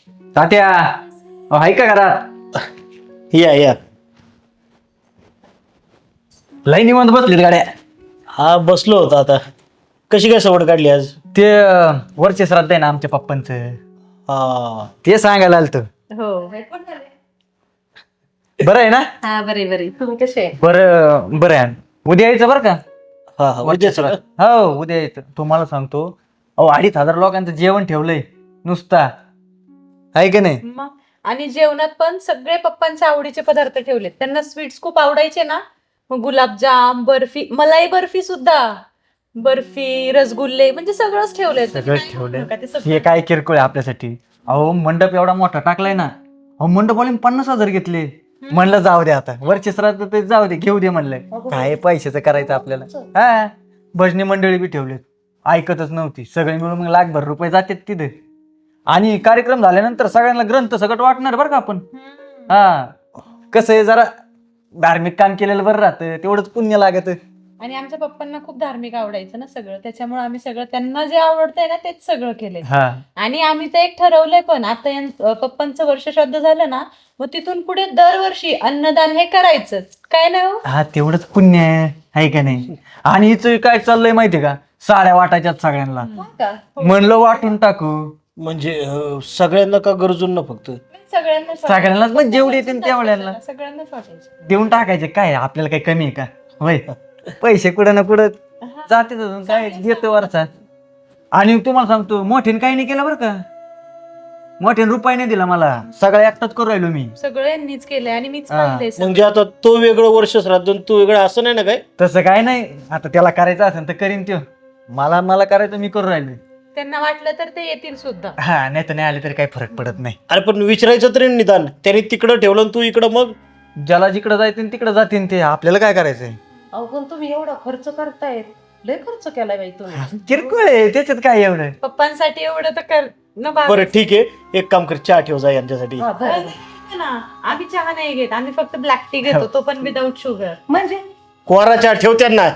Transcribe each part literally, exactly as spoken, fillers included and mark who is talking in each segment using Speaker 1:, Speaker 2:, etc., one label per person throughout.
Speaker 1: तात्या अहो, हाय का घरात?
Speaker 2: या या
Speaker 1: लई निवांत बसलीत गाड्या.
Speaker 2: हा बसलो होतो आता. कशी काय सवड काढली आज?
Speaker 1: ते अं, वरचे श्राद्ध आहे ना आमच्या पप्पांचं,
Speaker 2: हा
Speaker 1: ते सांगायला आलत.
Speaker 3: हो
Speaker 1: बरं आहे ना?
Speaker 3: हा बरे बरे तुम्ही कसे आहे?
Speaker 1: बरं बरं आहे. उद्या यायचं बरं का?
Speaker 2: हा हा
Speaker 1: वरचे
Speaker 2: उद्याच का?
Speaker 1: श्राद्ध. हो उद्या यायचं. तुम्हाला सांगतो अहो अडीच हजार लोकांचं जेवण ठेवलंय नुसता, आहे का नाही?
Speaker 3: मग आणि जेवणात पण सगळे पप्पांच्या आवडीचे पदार्थ ठेवलेत. त्यांना स्वीट्स खूप आवडायचे ना, मग गुलाबजाम, बर्फी, मलाई बर्फी सुद्धा, बर्फी, रसगुल्ले, म्हणजे सगळंच ठेवलंय.
Speaker 1: सगळं ठेवलंय. हे काय किरकोळ आहे आपल्यासाठी. अहो मंडप एवढा मोठा टाकलाय ना, अहो मंडपवाले पन्नास हजार घेतले. म्हणलं जाऊ दे आता वरचे श्राद्ध ते जाऊ दे, घेऊ दे म्हणलंय. काय पैशाचं करायचं आपल्याला. हा भजनी मंडळी बी ठेवलेत, ऐकतच नव्हती. सगळे मिळून मग लाखभर रुपये जातात तिथे. आणि कार्यक्रम झाल्यानंतर सगळ्यांना ग्रंथ सगळं वाटणार बरं का आपण. हा कसं आहे, जरा धार्मिक काम केलेलं बरं राहतं, तेवढंच पुण्य लागत.
Speaker 3: आणि आमच्या पप्पांना खूप धार्मिक आवडायचं ना सगळं, त्याच्यामुळे आम्ही सगळं त्यांना जे आवडतंय ना तेच सगळं केलंय.
Speaker 1: हा
Speaker 3: आणि आम्ही तर एक ठरवलंय पण, आता यां- पप्पांचं वर्ष श्राद्ध झालं ना, मग तिथून पुढे दरवर्षी अन्नदान हे करायचंच, काय नाही हो?
Speaker 1: हा तेवढंच पुण्य आहे, आहे का नाही? आणि हिचं काय चाललंय माहितीये का, साड्या वाटायच्यात सगळ्यांना.
Speaker 3: हो का?
Speaker 1: म्हणलं वाटून टाकू
Speaker 2: म्हणजे अं, सगळ्यांना का गरजूंना फक्त?
Speaker 3: सगळ्यांना
Speaker 1: सगळ्यांनाच, मग जेवढे येतील तेवढ्याला
Speaker 3: सगळ्यांनाच वाटायचं.
Speaker 1: देऊन टाकायचे. काय आपल्याला काही कमी आहे का? होय, पैसे कुठं ना कुठं जाते अजून, काय देतो वरचा. आणि तुम्हाला सांगतो मोठ्याने काही नाही केलं बरं का, मोठ्याने रुपये नाही दिला मला, सगळं एकटाच करू राहिलो मी.
Speaker 3: सगळ्यांनीच केलंय आणि मीच
Speaker 1: हा.
Speaker 3: पाहिलंय सगळं.
Speaker 2: म्हणजे आता तो वेगळं वर्ष श्राद्ध आणि तू वेगळं असं नाही ना काय?
Speaker 1: तसं काय नाही, आता त्याला करायचं असेल तर करीन त्यो. मला मला करायचं मी करू राहिलो.
Speaker 3: त्यांना वाटलं तर ते येतील सुद्धा.
Speaker 1: हा नाही तर नाही आले तरी काही फरक पडत नाही.
Speaker 2: अरे पण विचारायचं तरी निदान, त्याने तिकडं ठेवलं आणि तू इकडं, मग
Speaker 1: ज्याला जिकडं जायचं तिकडं जातीन ते, आपल्याला काय करायचंय.
Speaker 3: अहो पण तुम्ही एवढा खर्च करतायत, लय खर्च केलाय बाई तुम्ही.
Speaker 1: किरकोळ आहे त्याच्यात, काय एवढं.
Speaker 3: पप्पांसाठी एवढं तर कर न बाबा.
Speaker 2: बरं ठीक आहे, एक काम कर, चहा ठेव जा यांच्यासाठी.
Speaker 3: ना आम्ही चहा नाही घेत, आम्ही फक्त ब्लॅक टी घेतो, तो पण विदाऊट शुगर. म्हणजे
Speaker 2: कोरा चहा ठेव त्यांना.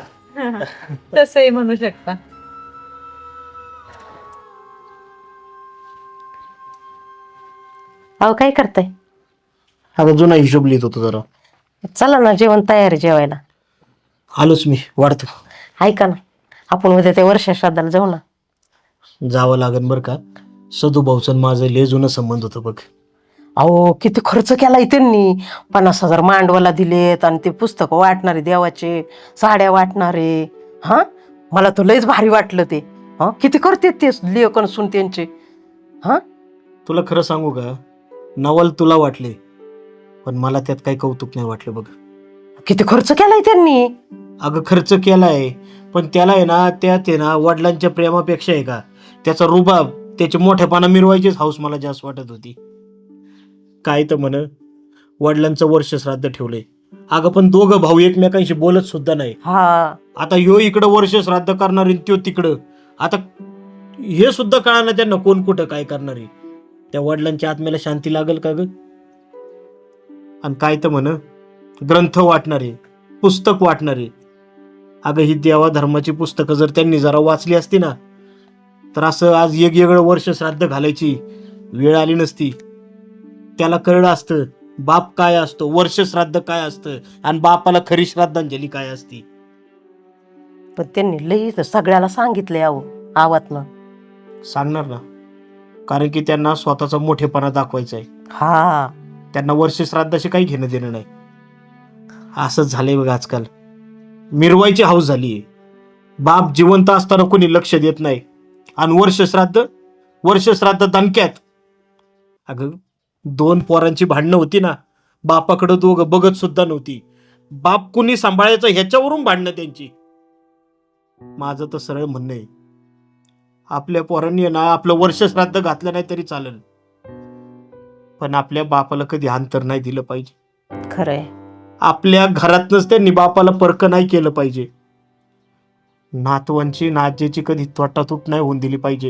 Speaker 3: तसंही म्हणू शकता.
Speaker 4: अहो काय करताय?
Speaker 2: आता जुना हिशोब लिहित होतो जरा.
Speaker 4: चला ना, जेवण तयार आहे जेवायला.
Speaker 2: आलोच मी, वाढतो.
Speaker 4: ऐका ना, आपण उद्या त्या वर्षा श्राद्धाला जाऊ ना.
Speaker 2: जावं लागेल बरं का, सदू भाऊचं माझं लय जुनं संबंध होतं बघ.
Speaker 4: अहो किती खर्च केलाय त्यांनी. पन्नास हजार मांडवाला दिलेत आणि ते पुस्तकं वाटणारे, देवाचे साड्या वाटणारे. हा मला तर लयच भारी वाटलं ते. हा किती करते ते लेखन सुन त्यांचे. हा
Speaker 2: तुला खरं सांगू का, नवल तुला वाटले, पण मला त्यात काही कौतुक नाही वाटलं बघ.
Speaker 4: किती खर्च केलाय त्यांनी.
Speaker 2: अगं खर्च केलाय, पण त्याला आहे ना, त्यात आहे ना वडिलांच्या प्रेमापेक्षा आहे का त्याचा रुबाब, त्याचे मोठेपणा मिरवायचीच हाऊस मला जास्त वाटत होती. काय तर म्हण, वडिलांचं वर्ष श्राद्ध ठेवलंय. अगं पण दोघं भाऊ एकमेकांशी बोलत सुद्धा नाही.
Speaker 4: हा
Speaker 2: आता ह्यो इकडं वर्ष श्राद्ध करणार आणि त्यो तिकडं. आता हे सुद्धा कळणार त्यांना कोण कुठं काय करणार आहे. त्या वडिलांच्या आत्म्याला शांती लागेल का ग? आणि काय तर म्हण, ग्रंथ वाटणारे, पुस्तक वाटणारे. अगं ही देवा धर्माची पुस्तकं जर त्यांनी जरा वाचली असती ना, तर असं आज वेगवेगळं वर्ष श्राद्ध घालायची वेळ आली नसती. त्याला कळलं असतं बाप काय असतो, वर्ष श्राद्ध काय असतं, आणि बापाला खरी श्राद्धांजली काय असती.
Speaker 4: पण त्यांनी लई सगळ्याला सांगितलंय अहो आवातनं.
Speaker 2: सांगणार ना, कारण की त्यांना स्वतःचा मोठेपणा दाखवायचा आहे.
Speaker 4: हा
Speaker 2: त्यांना वर्ष श्राद्धाशी काही घेणं देणं नाही. असंच झालंय बघ आजकाल, मिरवायची हाऊस झालीये. बाप जिवंत असताना कोणी लक्ष देत नाही, आणि वर्ष श्राद्ध वर्ष श्राद्ध दणक्यात. अगं दोन पोरांची भांडणं होती ना, बापाकडं दोघं बघत सुद्धा नव्हती. बाप कुणी सांभाळायचं ह्याच्यावरून भांडणं त्यांची. माझं तर सरळ म्हणणं आहे, आपल्या पोरांनी ना आपलं वर्ष श्राद्ध घातलं नाही तरी चालेल, पण आपल्या बापाला कधी अंतर नाही दिलं पाहिजे.
Speaker 4: खरंय.
Speaker 2: आपल्या घरातनच त्यांनी बापाला परक नाही केलं पाहिजे. नातवांची नाजेची कधी तोटातूट नाही होऊन दिली पाहिजे.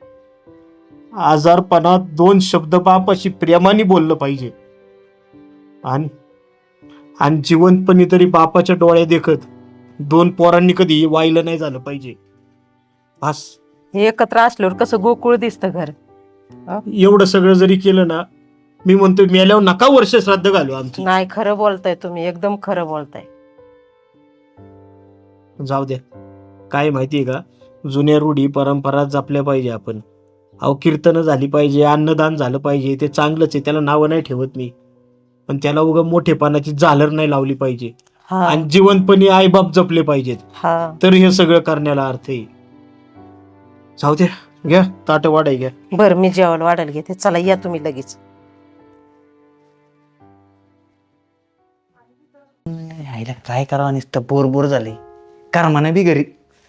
Speaker 2: आजारपणात दोन शब्द बापाशी प्रेमाने बोललं पाहिजे. आणि आणि जिवंतपणी तरी बापाच्या डोळ्या देखत दोन पोरांनी कधी वाहिलं नाही झालं पाहिजे. बस.
Speaker 4: हे एकत्र असल्यावर कसं गोकुळ दिसतं घर.
Speaker 2: एवढं सगळं जरी केलं ना, मी म्हणतो मेल्यावर नका वर्ष श्राद्ध घालू आमचं.
Speaker 4: नाही, खरं बोलताय तुम्ही, एकदम खरं बोलताय.
Speaker 2: जाऊ द्या. काय माहितीये का, जुन्या रूढी परंपरा जपल्या पाहिजे आपण. अहो कीर्तनं झाली पाहिजे, अन्नदान झालं पाहिजे, ते चांगलंच आहे, त्याला नावं नाही ठेवत मी. पण त्याला उगा मोठेपणाची झालर नाही लावली पाहिजे.
Speaker 4: हा
Speaker 2: आणि जिवंतपणी आईबाप जपले पाहिजेत,
Speaker 4: हा
Speaker 2: तर हे सगळं करण्याला अर्थ आहे. जाऊ द्या, घ्या ताट वाढाय घ्या.
Speaker 4: बरं, मी जेवायला वाढायला घेते. चला या तुम्ही लगेच.
Speaker 1: आईला काय करावं, नुसतं बोर बोर झाले. करमाना बी घरी.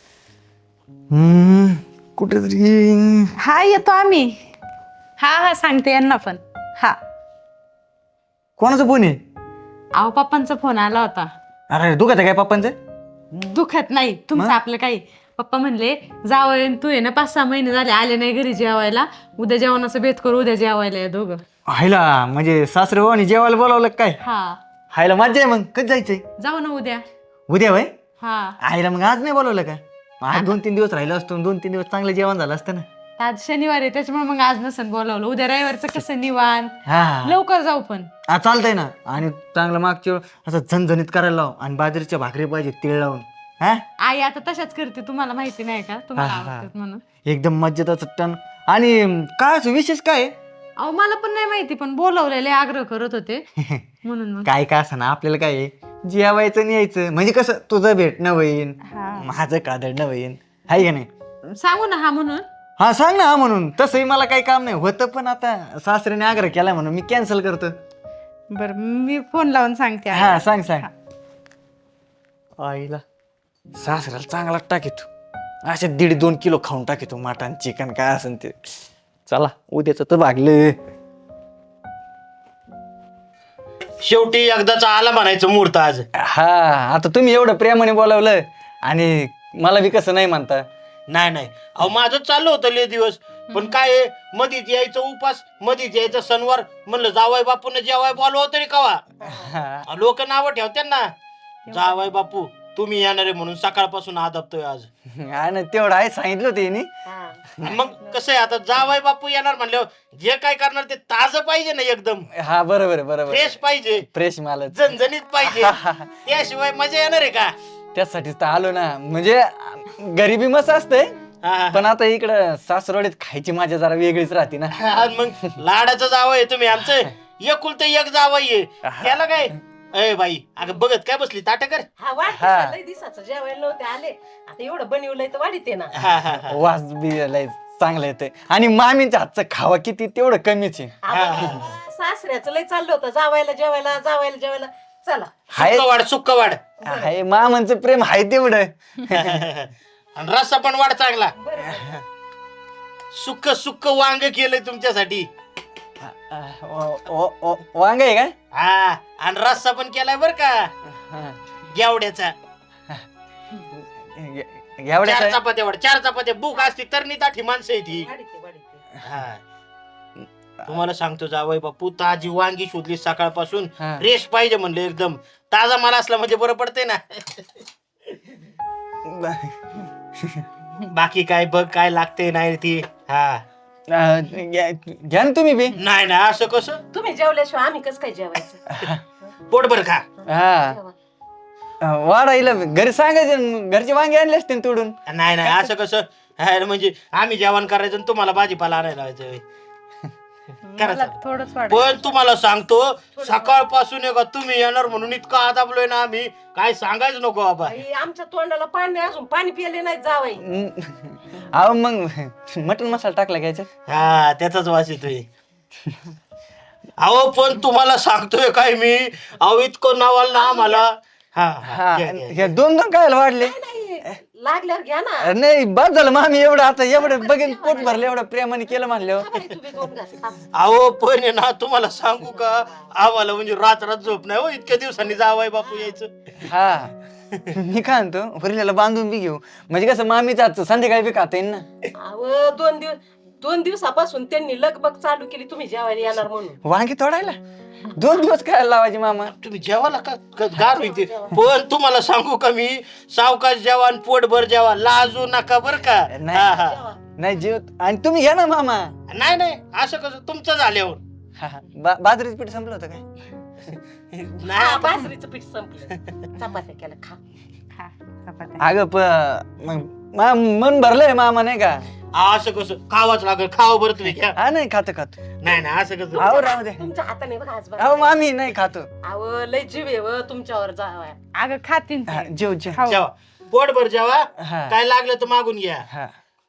Speaker 1: हम्म कुठेतरी
Speaker 3: हा येतो आम्ही. हा हा सांगते यांना पण. हा
Speaker 1: कोणाचा फोन आहे?
Speaker 3: अहो पप्पांचा फोन आला होता.
Speaker 1: अरे दुखत आहे काय पप्पांचं?
Speaker 3: दुखत नाही तुमचं, आपलं काही. पप्पा म्हणले जावय तू आहे ना, पाच सहा महिने झाले आले नाही घरी जेवायला, उद्या जेवणाचं बेत करू, उद्या जेवायला या दोघं.
Speaker 1: हायला म्हणजे सासरे हो आणि जेवायला बोलावलं का काय?
Speaker 3: हा
Speaker 1: हायला मज्जा आहे. मग कधी जायचंय?
Speaker 3: जाऊ ना उद्या.
Speaker 1: उद्या वय?
Speaker 3: हा
Speaker 1: आईला मग आज नाही बोलवलं का? आज दोन तीन दिवस राहिलो असतो, दोन तीन दिवस चांगलं जेवण झालं असतं ना.
Speaker 3: आज शनिवार आहे त्याच्यामुळे मग आज नसन बोलावलं. उद्या रविवारचं कसं निवांत,
Speaker 1: हा
Speaker 3: लवकर जाऊ पण.
Speaker 1: हा चालतंय ना. आणि चांगलं मागच्या वेळ असं झणझणीत करायला लाव, आणि बाजरीच्या भाकरी पाहिजे तीळ लावून. हा
Speaker 3: आई आता तशाच करते, तुम्हाला माहिती नाही का, तुम्हाला
Speaker 1: हा, हा.
Speaker 3: आवडतात म्हणून.
Speaker 1: एकदम मज्जेत टन. आणि काय असं विशेष काय आहे?
Speaker 3: अहो मला पण नाही माहिती, पण बोलवलेले आग्रह करत होते म्हणून मग.
Speaker 1: काय काय असं ना, आपल्याला काय आहे, जेवायचं आणि यायचं. म्हणजे कसं तुझं भेटणं होईन,
Speaker 3: हा.
Speaker 1: माझं कादडणं होईन, हाय का नाही?
Speaker 3: सांगू ना हा म्हणून.
Speaker 1: हा सांग ना. हा म्हणून तसंही मला काही काम नाही होतं, पण आता सासऱ्याने आग्रह केला म्हणून मी कॅन्सल करतो.
Speaker 3: बर मी फोन लावून सांगते आईला.
Speaker 1: हा सांग सांग. आईला सासऱ्याला चांगला टाकीतो, असे दीड दोन किलो खाऊन टाकीतो मटण चिकन काय असेल ते. चला उद्याच तर भागलं.
Speaker 2: शेवटी एकदाचा आला म्हणायचं मुहूर्त आज.
Speaker 1: हा आता तुम्ही एवढं प्रेमाने बोलावलं, आणि मला बी कसं नाही म्हणता.
Speaker 2: नाही नाही, अहो माझं चाललं होतं लय दिवस, पण काय आहे, मधीच यायचं उपास, मधीच यायचं सणवार. म्हणलं जावाय बापून जेवाय बोलवा तरी कवा. लोक नावं ठेवतात ना, जावाय बापू तुम्ही येणार आहे म्हणून सकाळपासून आदबतोय आज.
Speaker 1: हा ना, तेवढं आहे सांगितलं होतं हिने.
Speaker 2: मग कसं आहे, आता जावाय बापू येणार म्हणल्यावर जे काय करणार ते ताजं पाहिजे ना, एकदम
Speaker 1: हा बरोबर आहे, बरोबर.
Speaker 2: फ्रेश पाहिजे,
Speaker 1: फ्रेश माल
Speaker 2: झणझणीत पाहिजे. त्याशिवाय मजा येणार आहे का?
Speaker 1: त्यासाठीच तर आलो ना. म्हणजे गरिबी मस्त असतंय,
Speaker 2: हा,
Speaker 1: पण आता इकडं सासरवाडीत खायची मजा जरा वेगळीच राहते ना.
Speaker 2: हा, मग लाडाचं जावं आहे तुम्ही आमचं, एकुलतं एक जावं आहे त्याला काय. अय बाई, अगं बघत काय बसली, ताट कर.
Speaker 4: हा वाढ
Speaker 1: हा.
Speaker 4: लय दिवसाचं जेवायला नव्हते आले, आता एवढं बनवलंय तर वाढीते ना.
Speaker 2: हा, हा, हा.
Speaker 1: वास बी लय चांगलं येतंय, आणि मामींच्या हातचं खावा किती तेवढं कमीच आहे.
Speaker 4: आम्हाला सासऱ्याचं लय चाललं होतं, जावायला जेवायला जावायला जेवायला. चला
Speaker 1: हाय
Speaker 2: सुक्क वाढ, सुक्क वाढ.
Speaker 1: हाय मामांचं प्रेम आहे तेवढं.
Speaker 2: आणि रस्सा पण वाढ चांगला. सुक्क सुक्क वांग केलंय तुमच्यासाठी.
Speaker 1: वांग आहे का?
Speaker 2: हा, आणि रस्सा पण केलाय बर का, गेवड्याचा.
Speaker 1: एवढ्या
Speaker 2: चार चपात्या वाढ, चार चपात्या. भूक असती तर नी ताठी माणसं आहे ती.
Speaker 4: वाढीते वाढीते.
Speaker 2: हा, तुम्हाला सांगतो जावई बापू, ताजी वांगी शोधली सकाळपासून.
Speaker 1: हा.
Speaker 2: फ्रेश पाहिजे म्हणलं, एकदम ताजा माल असला म्हणजे बरं पडतंय ना. बाकी काय बघ काय लागते नाही ती. हा
Speaker 1: घ्या ना तुम्ही बी.
Speaker 2: नाही ना, असं कसं,
Speaker 4: तुम्ही जेवल्याशिवाय आम्ही कसं काय जेवायचं.
Speaker 2: पोटभर खा.
Speaker 1: हा वाढायला घरी सांगायचं, घरचे वांगे आणले असते ना तोडून.
Speaker 2: नाही नाही, असं कसं. हा, म्हणजे आम्ही जेवण करायचं आणि तुम्हाला भाजीपाला आणायला लावायचं होय. करा
Speaker 3: मला
Speaker 2: चालू.
Speaker 3: थोडंच वाटत.
Speaker 2: पण तुम्हाला सांगतो, सकाळपासून का तुम्ही येणार म्हणून इतका आदाबलोय ना आम्ही, काय सांगायचं नको बाबा.
Speaker 4: आई, आमच्या तोंडाला पाणी नाही, अजून पाणी पिले नाही जावई.
Speaker 1: अहो मग मटन मसाला टाकला घ्यायचा.
Speaker 2: हा, त्याचाच वास येतोय. अहो पण तुम्हाला सांगतोय काय मी, अहो इतकं नावाल ना आम्हाला. हा, हा,
Speaker 1: हा
Speaker 2: घ्या, घ्या,
Speaker 1: हे दोन दोन काय वाढले?
Speaker 4: नाही, लागल्यावर घ्या ना.
Speaker 1: नाही बस झालं मामी, एवढं आता एवढं बघेन पोट भरलं, एवढं प्रेमाने केलं म्हणल्यावर.
Speaker 4: बाई, तुम्ही दोन घास खा.
Speaker 2: अहो पण आहे ना, तुम्हाला सांगू का, आम्हाला म्हणजे रात रात झोप नाही हो, इतक्या दिवसांनी जावाय बापू यायचं.
Speaker 1: हा मी काय म्हणतो, वरिल्याला बांधून बी घेऊ, म्हणजे कसं मामीचं आजचं संध्याकाळी बी खाता येईल ना.
Speaker 4: अहो, दोन दिवस दोन दिवसापासून त्यांनी लगबग चालू केली तुम्ही जेवायला येणार म्हणून.
Speaker 1: वांगी तोडायला दोन दिवस काय लावायचे मामा?
Speaker 2: तुम्ही जेवाला का क- गार होईल. पण तुम्हाला सांगू का मी, सावकाश जेवा आणि पोटभर जेवा, लाजू नका बर का.
Speaker 1: नाही.
Speaker 2: हा, हा.
Speaker 1: नाही जेव, आणि तुम्ही घ्या ना मामा.
Speaker 2: नाही नाही असं कसं तुमचं झाल्यावर
Speaker 1: हा, हा. बा- बाजरीचं पीठ संपलं होतं काय
Speaker 2: नाही
Speaker 4: हा,
Speaker 2: आता-
Speaker 4: बाजरीचं पीठ संपलं चपात्या केलं खा
Speaker 3: खा चपात्या.
Speaker 1: अगं प मग मा- मन भरलंय मामा नाही का
Speaker 2: असं कसं खावाच लागेल खावा बरं तुम्ही घ्या
Speaker 1: हा नाही खातो खातो
Speaker 2: नाही नाही असं कसं
Speaker 1: अहो राहू दे
Speaker 4: तुमच्या हाताने बघा आज
Speaker 1: अहो मामी नाही खातो
Speaker 4: अहो लय जीव आहे व तुमच्यावर जावाय
Speaker 3: अगं खातीन ते.
Speaker 1: हा, जेव जेव
Speaker 3: खाऊ.
Speaker 2: जेवा पोटभर जेवा
Speaker 1: हा
Speaker 2: काय लागलं तर मागून घ्या
Speaker 1: हा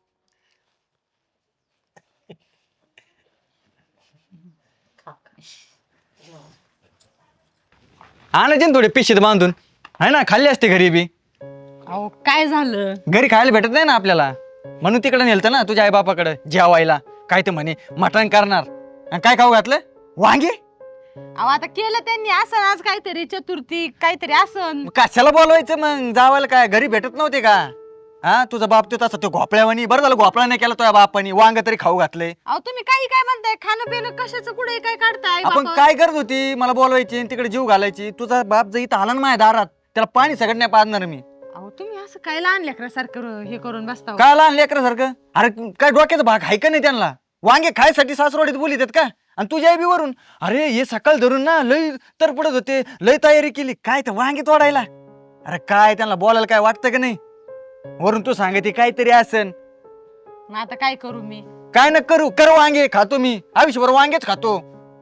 Speaker 1: आणायचे ना थोडे पिशीत बांधून आहे ना खाल्ली असते घरी बी
Speaker 3: अहो काय झालं
Speaker 1: घरी खायला भेटत नाही ना आपल्याला म्हणून तिकडे नेलतं ना तुझ्या आई बापाकडे जेवायला काय ते म्हणे मटण करणार आणि काय खाऊ घातलं वांगे
Speaker 3: अहो आता केलं त्यांनी असं आज काहीतरी चतुर्थी काहीतरी असं
Speaker 1: मग कशाला बोलवायचं मग जावायला काय घरी भेटत नव्हते का हा तुझा बाप तो तसा तो घोपळ्यावानी बरं झालं घोपळा नाही केला तुझ्या बापानी वांग तरी खाऊ घातले
Speaker 3: अहो तुम्ही काही काय म्हणताय खाणं पिणं कशाचं कुठे काय काढताय
Speaker 1: आपण
Speaker 3: बापा?
Speaker 1: काय करत होती मला बोलवायची आणि तिकडे जीव घालायची तुझा बाप जर इथं आला ना माझ्या दारात त्याला पाणी सगळं नाही पाजणार मी
Speaker 3: अहो तुम्ही असं काय लहान लेकरासारखं हे करून बसता हो?
Speaker 1: काय लहान लेकरासारखं अरे काय डोक्याचा भाग आहे का नाही त्यांना वांगे खायसाठी सासरोडीत बोलीत आहेत का आणि तुझ्या आई बी वरून अरे हे सकाळ धरून ना लय तर पडत होते लय तयारी केली काय ते वांगे तोडायला अरे काय त्यांना बोलायला काय वाटतं का नाही वरून तू सांगते काहीतरी असन
Speaker 3: मग आता काय करू मी
Speaker 1: काय न करू कर वांगे खातो मी आयुष्यभर वांगेच खातो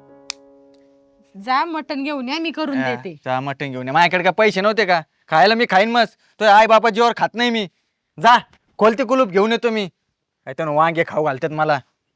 Speaker 3: जा मटण घेऊन या मी करून देते
Speaker 1: जा मटण घेऊन ये. माझ्याकडे काय पैसे नव्हते का खायला मी खाईन मस्त तो आई बापा जीवर खात नाही मी जा कोलते कुलूप घेऊन येतो मी काय तर वांगे खाऊ घालतात मला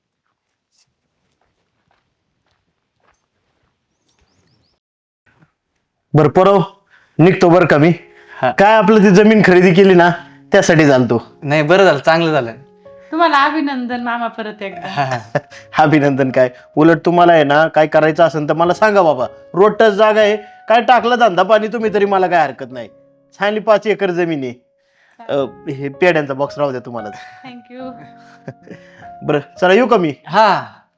Speaker 2: बर परव निघतो बर का मी
Speaker 1: हा.
Speaker 2: काय आपलं ती जमीन खरेदी केली ना त्यासाठी चालतो
Speaker 1: नाही बरं झालं चांगलं झालं
Speaker 3: तुम्हाला अभिनंदन मामा परत एकदा
Speaker 2: अभिनंदन काय उलट तुम्हाला आहे ना काय करायचं असेल तर मला सांगा बाबा रोड टच जागा आहे काय टाकलं धंदा पाणी तुम्ही तरी मला काय हरकत नाही छानली पाच एकर जमीन आहे अं, हे पेड्यांचा बॉक्स राहू द्या तुम्हाला
Speaker 3: थँक्यू
Speaker 2: बरं चला येऊ का मी
Speaker 1: हा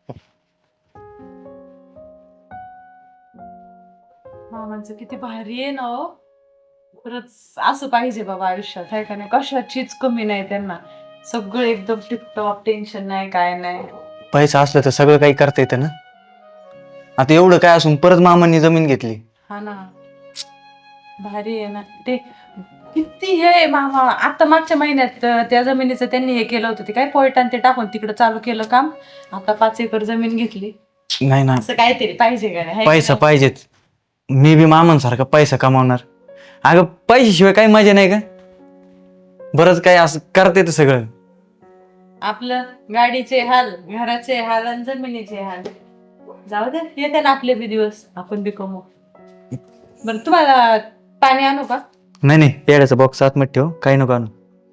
Speaker 3: मामांचं किती भारी आहे ना हो खरंच असं पाहिजे बाबा आयुष्यात आहे का नाही कशाचीच कमी नाही त्यांना सगळं एकदम टिपटॉप टेन्शन नाही काय नाही
Speaker 1: पैसा असलं तर सगळं काही करता येतं ना आता एवढं काय असून परत मामांनी जमीन घेतली
Speaker 3: हा ना भारी आहे ना ते किती हे मामा आता मागच्या महिन्यात अं, त्या जमिनीचं त्यांनी हे केलं होतं ते काय पोयटान ते टाकून तिकडे चालू केलं काम आता पाच एकर जमीन घेतली
Speaker 1: नाही ना
Speaker 3: असं काहीतरी पाहिजे का नाही? हाय का
Speaker 1: पैसा
Speaker 3: नाही?
Speaker 1: पाहिजेच मी बी मामांसारखा पैसा कमावणार अगं पैशाशिवाय काही मजा नाही का बरंच काय असं करता येतं सगळं
Speaker 3: आपलं गाडीचे हाल घराचे हाल आणि जमिनीचे हाल जाऊ दे येते ना आपले बी दिवस आपण बी कमवू बरं तुम्हाला पाणी आणू का
Speaker 1: नाही नाही पेड्याचा बॉक्स आतमध्ये ठेव काही नको आणू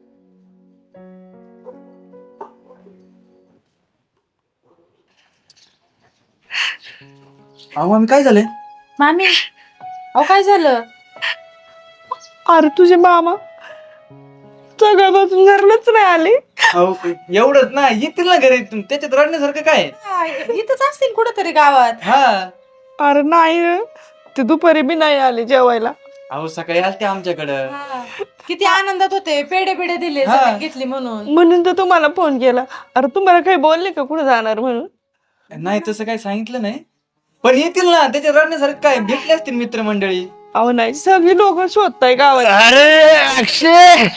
Speaker 1: अहो आम्ही काय झालंय
Speaker 3: मामी अहो काय झालं
Speaker 5: अरे तुझे मामा सगळ्यापासून घरलाच नाही आले
Speaker 1: एवढंच ना येतील ना घरी त्याच्यात रडण्यासारखं काय
Speaker 3: हा, इथंच असतील कुठंतरी गावात
Speaker 1: हा
Speaker 5: अरे नाही रे. ते दुपारी बी नाही आले जेवायला
Speaker 1: अहो सकाळी आलते आमच्याकडं
Speaker 3: हा. किती आनंदात होते पेढे पेढे दिले
Speaker 1: हा.
Speaker 3: जमीन घेतली म्हणून
Speaker 5: म्हणून तर तुम्हाला फोन केला अरे तुम्हाला काही बोलले का कुठे जाणार म्हणून
Speaker 1: नाही तसं काही सांगितलं नाही पण येतील ना त्याच्यात रडण्यासारखं काय भेटले असतील मित्रमंडळी
Speaker 5: अहो नाही सगळी लोक शोधताय गावात
Speaker 2: अरे अक्षय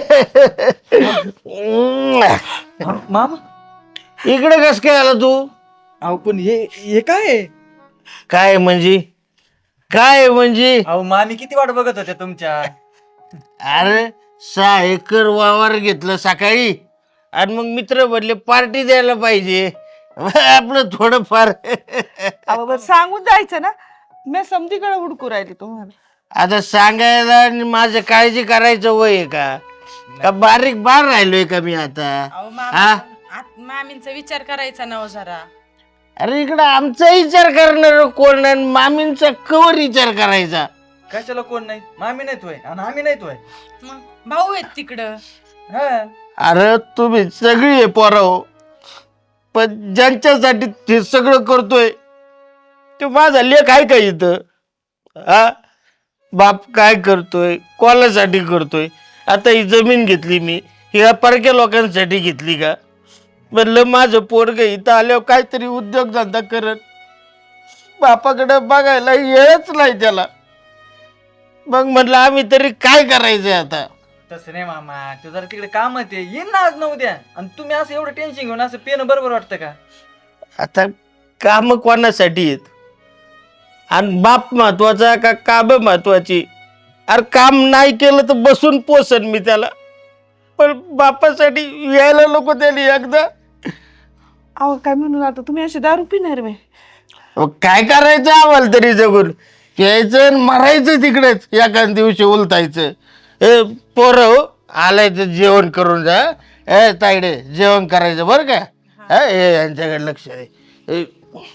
Speaker 1: मामा
Speaker 2: इकडे कस काय आला तू
Speaker 1: अहो पण हे हे काय आहे?
Speaker 2: काय म्हणजे काय म्हणजे
Speaker 1: अहो मामी किती वाट बघत होत्या तुमच्या
Speaker 2: अरे सहा एकर वावर घेतलं सकाळी आणि मग मित्र बदले पार्टी द्यायला पाहिजे आपलं थोडंफार
Speaker 5: अहो बरं सांगून जायचं ना मी समतीकडे हुडकू राहिली तुम्हाला
Speaker 2: आता सांगायला आणि माझं काळजी करायचं वय आहे का का बारीक बार राहिलोय का मी आता
Speaker 3: अहो,
Speaker 2: हा?
Speaker 3: मामा आत- मामींचा विचार करायचा ना हो जरा
Speaker 2: अरे इकडं आमचा विचार करणार कोण आणि मामींचा कवर विचार करायचा
Speaker 1: कशाला कोण नाही मामी नाही तोय आणि आम्ही नाही तोय
Speaker 3: मग भाऊ आहेत तिकडं
Speaker 1: हा
Speaker 2: अरे तुम्ही सगळी आहे पोराव पण ज्यांच्यासाठी ते सगळं करतोय ते माझा लेख आहे का इथं हा बाप काय करतोय कोणासाठी करतोय आता ही जमीन घेतली मी ही या परक्या लोकांसाठी घेतली का म्हणलं माझं पोरग इथं आल्यावर काहीतरी उद्योगधंदा करत, बापाकडे बघायला येळच नाही त्याला. मग म्हटलं आम्ही तरी काय करायचं आता.
Speaker 1: तसं नाही मामा, तू जरा तिकडे काम आहे येईन ना आज न उद्या, आणि तुम्ही असं एवढं टेन्शन घेऊन असं पेन बरोबर वाटतं का?
Speaker 2: आता काम कोणासाठी आहेत, आणि बाप महत्वाचा का काम महत्वाची? अरे काम नाही केलं तर बसून पोसन मी त्याला, पण बापासाठी यायला नको त्याने एकदा.
Speaker 5: अहो काय म्हणून आता तुम्ही अशी दारू पिणार मी?
Speaker 2: अहो, काय करायचं आम्हाला तरी जगून? यायचं आणि मरायचं तिकडेच, एका दिवशी उलटायचं. ए पोरं हो, आलायचं जेवण करून जा. ए तायडे जेवण करायचं बरं का? हा, ए यांच्याकडे लक्ष आहे. ए,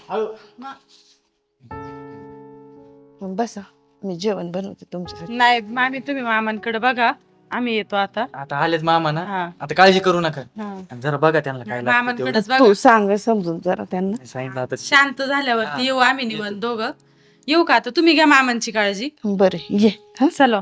Speaker 5: बसा, मी जेवण बनवते तुमच्यासाठी.
Speaker 3: नाही मामी, तुम्ही मामांकडे बघा, आम्ही येतो आता.
Speaker 1: आता आलेच मामा ना,
Speaker 3: हा.
Speaker 1: आता काळजी करू नका.
Speaker 3: हा.
Speaker 1: आणि जरा बघा त्यांना काय लागतं तेवढं.
Speaker 3: मामांकडेच बघा.
Speaker 5: तू सांग समजून जरा त्यांना.
Speaker 1: सांगितलं आता.
Speaker 3: शांत झाल्यावरती येऊ आम्ही निवांत दोघं. येऊ का आता? तुम्ही घ्या मामांची काळजी.
Speaker 5: बरं ये. हा
Speaker 3: चलो.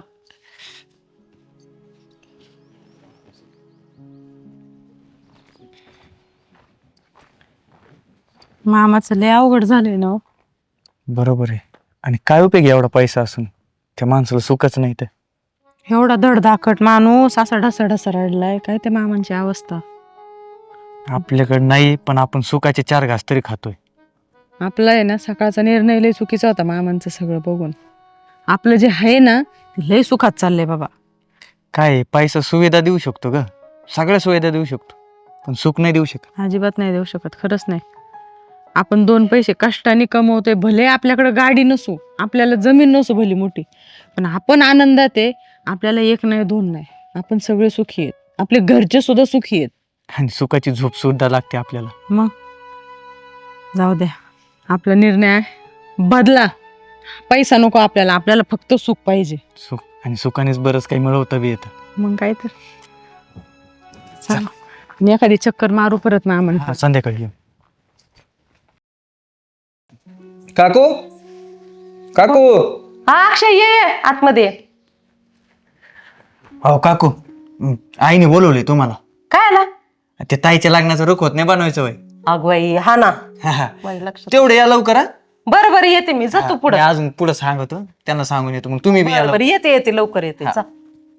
Speaker 3: मामाचं लय अवघड झालंय ना हो.
Speaker 1: बरोबर आहे. आणि काय उपयोग आहे एवढा पैसा असून, त्या माणसाला सुखच नाही तर.
Speaker 3: एवढा धडधाकट माणूस असा ढसा ढसा रडलाय, काय त्या मामांची अवस्था.
Speaker 1: आपल्याकडे नाही, पण आपण सुखाचे चार घास तरी खातोय.
Speaker 3: आपला आहे ना सकाळचा निर्णय लय चुकीचा होता मामांचं सगळं बघून. आपलं जे आहे ना ते लय सुखात चाललंय बाबा.
Speaker 1: काय आहे, पैसा सुविधा देऊ शकतो ग, सगळ्या सुविधा देऊ शकतो, पण सुख नाही देऊ शकत.
Speaker 3: अजिबात नाही देऊ शकत, खरंच नाही. आपण दोन पैसे कष्टाने कमवतोय, भले आपल्याकडे गाडी नसू, आपल्याला जमीन नसू भली मोठी, पण आपण आनंदात आहे. आपल्याला एक नाही दोन नाही, आपण सगळे सुखी आहेत, आपले घरचे सुद्धा सुखी आहेत.
Speaker 1: आणि सुखाची झोप सुद्धा लागते आपल्याला.
Speaker 3: मग जाऊ द्या, आपला निर्णय बदला. पैसा नको आपल्याला, आपल्याला फक्त सुख पाहिजे.
Speaker 1: सुख आणि सुखानेच बरंच काही मिळवता बी येतं.
Speaker 3: मग काय तर चला. आणि एखादी चक्कर मारू परत मामा.
Speaker 1: हा, संध्याकाळी येऊ.
Speaker 6: काकू काकू
Speaker 4: हा अक्षय ये ये, आतमध्ये ये.
Speaker 1: हो काकू, हं, आईने बोलवले तुम्हाला.
Speaker 4: काय आला?
Speaker 1: ते ताईच्या लग्नाचं रुखवत नाही बनवायचं वय.
Speaker 4: अगवाई हा ना,
Speaker 1: हा, हा.
Speaker 4: माझ्या लक्षात.
Speaker 1: तेवढे या लवकर. हा?
Speaker 4: बरं बरं येते मी, जा तू
Speaker 1: मी
Speaker 4: पुढे.
Speaker 1: अजून पुढे सांगतो, त्यांना सांगून येतो, मग तुम्ही बी या
Speaker 4: बरं
Speaker 1: लवकर.
Speaker 4: बरं येते येते लवकर येते.
Speaker 1: हा.
Speaker 4: जा.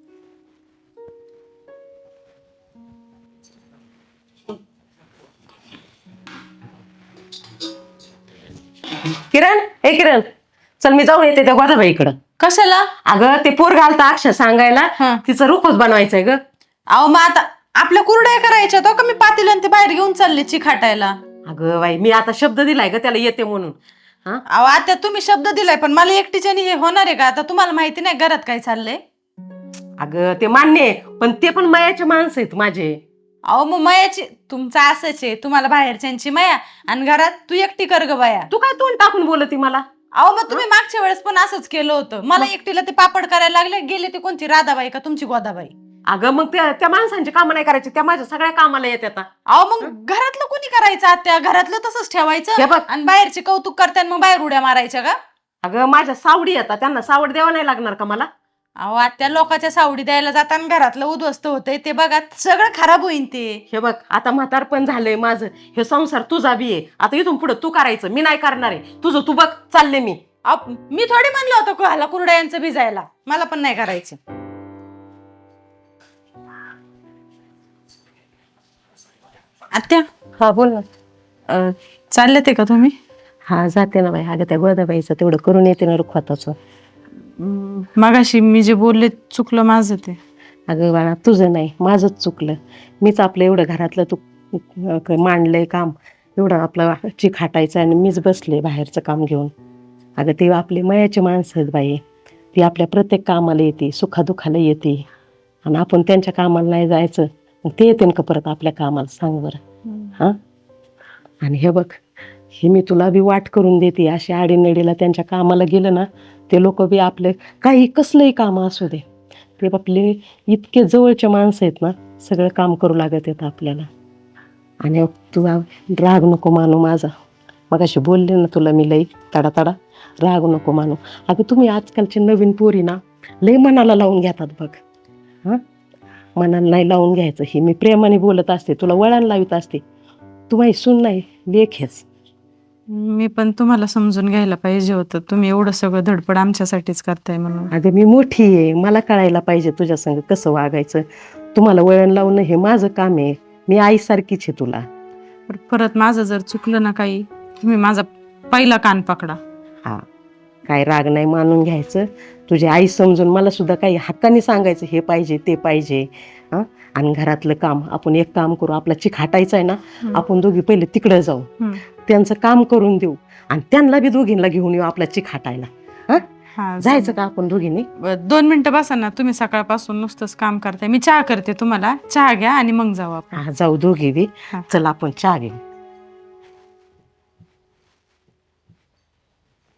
Speaker 4: किरण, हे किरण, चल मी जाऊन येते त्या गोदाबाईकडं.
Speaker 3: कशाला?
Speaker 4: अगं ते पोर घालता अक्षर सांगायला,
Speaker 3: हा.
Speaker 4: तिचं रुखच बनवायचंय ग.
Speaker 3: अहो मग आता आपल्या कुरड्या करायच्या, तो का मी पातेलं आणि ते बाहेर घेऊन चालले चिखाटायला.
Speaker 4: अगं बाई, मी आता शब्द दिलाय ग त्याला येते म्हणून. हा
Speaker 3: अहो आता तुम्ही शब्द दिलाय, पण मला एकटीच्याने हे होणार आहे का? आता तुम्हाला माहिती नाही घरात काय चाललंय.
Speaker 4: अगं ते मान्य आहे, पण ते पण मायाचे माणसं आहेत माझे.
Speaker 3: अहो मग मयाची तुमचं असंच आहे, तुम्हाला बाहेरच्यांची माया आणि घरात तू एकटी कर ग बाया.
Speaker 4: तू काय तोंड टाकून बोलती मला?
Speaker 3: अहो मग तुम्ही मागच्या वेळेस पण असंच केलं होतं. मला एकटीला ते पापड करायला लागले, गेले ते कोणती राधाबाई का तुमची गोदाबाई.
Speaker 4: अगं मग त्या त्या माणसांची कामं नाही करायची, त्या माझ्या सगळ्या कामाला येतात.
Speaker 3: अहो मग घरातलं कोणी करायचं आत्या? घरातलं तसंच
Speaker 4: हे
Speaker 3: ठेवायचं
Speaker 4: बघ.
Speaker 3: आणि बाहेरचे कौतुक करतात मग बाहेर उड्या मारायच्या का?
Speaker 4: अगं माझ्या सावडी येतात, त्यांना सावड द्यावं नाही लागणार का मला?
Speaker 3: अहो आत्या, लोकांच्या सावडी द्यायला जाताना घरातलं उद्ध्वस्त होतंय ते बघा, सगळं खराब होईन ते.
Speaker 4: हे बघ आता म्हातारपण झालंय माझं, हे संसार तुझा बी आहे, आता इथून पुढे तू करायचं, मी नाही करणार आहे. तुझं तू बघ, चालले मी.
Speaker 3: अहो, मी थोडी म्हणलं होतं कुहाला कुरड्यांचं भिजायला, मला पण नाही करायचं. आत्या,
Speaker 4: हा बोल ना.
Speaker 3: अं, चालले ते का तुम्ही?
Speaker 4: हा जाते ना बाई. अगं त्या गोदाबाईचं तेवढं करून येते ना रुखवाताचं.
Speaker 3: मगाशी मी जे बोलले चुकलं माझं ते.
Speaker 4: अगं बाळा तुझं नाही, माझंच चुकलं. मीच आपलं एवढं घरातलं तू अं, मांडलंय काम, एवढं आपलं चिक हाटायचं आणि मीच बसले बाहेरचं काम घेऊन. अगं ते आपले मयाचे माणसं आहेत बाई, ती आपल्या प्रत्येक कामाला येते, सुखादुखाला येते, आणि आपण त्यांच्या कामाला नाही जायचं, मग ते येते का परत आपल्या कामाला? सांग बरं. हां, आणि हे बघ, हे मी तुला बी वाट करून देते, अशी आडीनडीला त्यांच्या कामाला गेलं ना, ते लोक बी आपले काही कसलंही काम असू दे, ते आपले इतके जवळचे माणसं आहेत ना, सगळं काम करू लागत येतं आपल्याला. आणि तू राग नको मानू माझा, मग अशी बोलले ना तुला मी लई तडा तडा, राग नको मानू. अगं तुम्ही आजकालचे नवीन पोरी ना लई मनाला लावून घेतात बघ. हां, मनाला नाही लावून घ्यायचं, ही मी प्रेमाने बोलत असते, तुला वळण लावित असते. तू माही सून नाही, लेख हेच.
Speaker 3: मी पण तुम्हाला समजून घ्यायला पाहिजे होतं, तुम्ही एवढं सगळं धडपड आमच्यासाठीच करताय म्हणून.
Speaker 4: अगं मी मोठी आहे, मला कळायला पाहिजे तुझ्या संग कसं वागायचं. तुम्हाला वळण लावणं हे माझं काम आहे. मी आईसारखीच आहे तुला.
Speaker 3: पण परत माझं जर चुकलं ना काही, तुम्ही माझा पहिला कान पकडा.
Speaker 4: हा, काय राग नाही, मानून घ्यायचं. तुझी आई समजून मला सुद्धा काही हक्काने सांगायचं, हे पाहिजे ते पाहिजे. हां, आणि घरातलं काम आपण एक काम करू, आपला चिक हाटायचा आहे ना, आपण दोघी पहिले तिकडे जाऊ,
Speaker 3: हम्म.
Speaker 4: त्यांचं काम करून देऊ आणि त्यांना बी दोघींना घेऊन येऊ आपला चिक हाटायला. हां,
Speaker 3: हा,
Speaker 4: जायचं का आपण दोघींनी?
Speaker 3: ब- दोन मिनिटं बसा ना, तुम्ही सकाळपासून नुसतंच काम करताय. मी चहा करते तुम्हाला, चहा घ्या आणि मग जाऊ आपण.
Speaker 4: हा, जाऊ दोघी बी.
Speaker 3: हा.
Speaker 4: चल आपण चहा घेऊ.